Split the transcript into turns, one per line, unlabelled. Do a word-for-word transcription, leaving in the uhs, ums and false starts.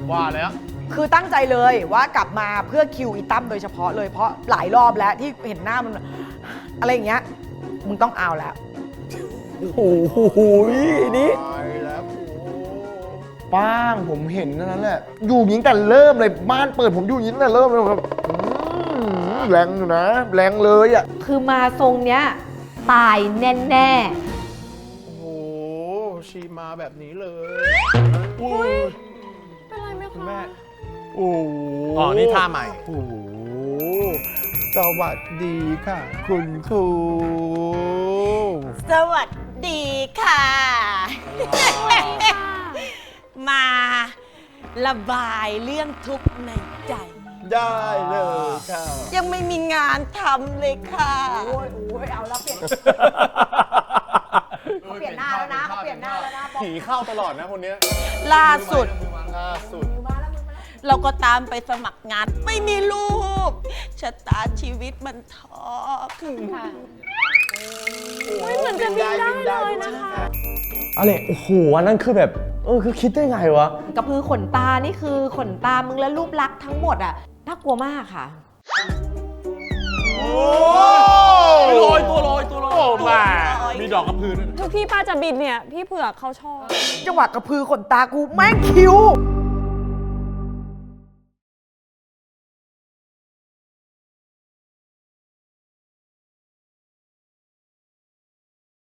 ว่าแล้ว
คือตั้งใจเลยว่ากลับมาเพื่อคิวอีตั้มโดยเฉพาะเลยเพราะหลายรอบแล้วที่เห็นหน้ามันอะไรอย่างเงี้ยมึงต้องเอาแล้ว
โอ้โหนี่
ไปแล้วโอ้
ป้างผมเห็นนั่นแหละอยู่ยิงแต่เริ่มเลยบ้านเปิดผมอยู่ยิงแต่เริ่มเลยครับแรงอยู่นะแรงเลยอ่ะ
คือมาทรงเนี้ยตายแน่
โหชีมาแบบนี้เลยอุ้ย
ๆเป็นไรไหม
คุณ
คะ
แม่
โอ้โห
อ๋อนี่ท่าใหม่
โอ้โหสวัสดีค่ะ คุณครู
สวัสดีค่ะ มาระบายเรื่องทุกข์ในใจ
ได้เลยค่ะ
ยังไม่มีงานทำเลยค่ะ
โอ้ยโอ้ยเอาแล้วเปลี่ยนเขาเปลี่ยนหน้าแล้วนะเขาเปลี่ยนหน้าแล้วนะบอก
ผีเข้าตลอดนะคนเนี้ย
ล่าสุด
ล่าสุด
เราก็ตามไปสมัครงานไม่มีลูกชะตาชีวิตมันท้อ
ไม่เหมือนจะบินได้เลยนะคะ
อะไรโอ้โหอันนั้นคือแบบเออคือคิดได้ไงวะ
กระพือขนตานี่คือขนตามึงและรูปลักษณ์ทั้งหมดอ่ะน่ากลัวมากค่ะ
โอ้ลอยตัวลอยตัวลอยโอ้มามีดอกกระพือด้วย
ทุกที่ป้าจะบินเนี่ย พี่เผือกเขาชอบ
จังหวะกระพือขนตากูแม่งคิ้ว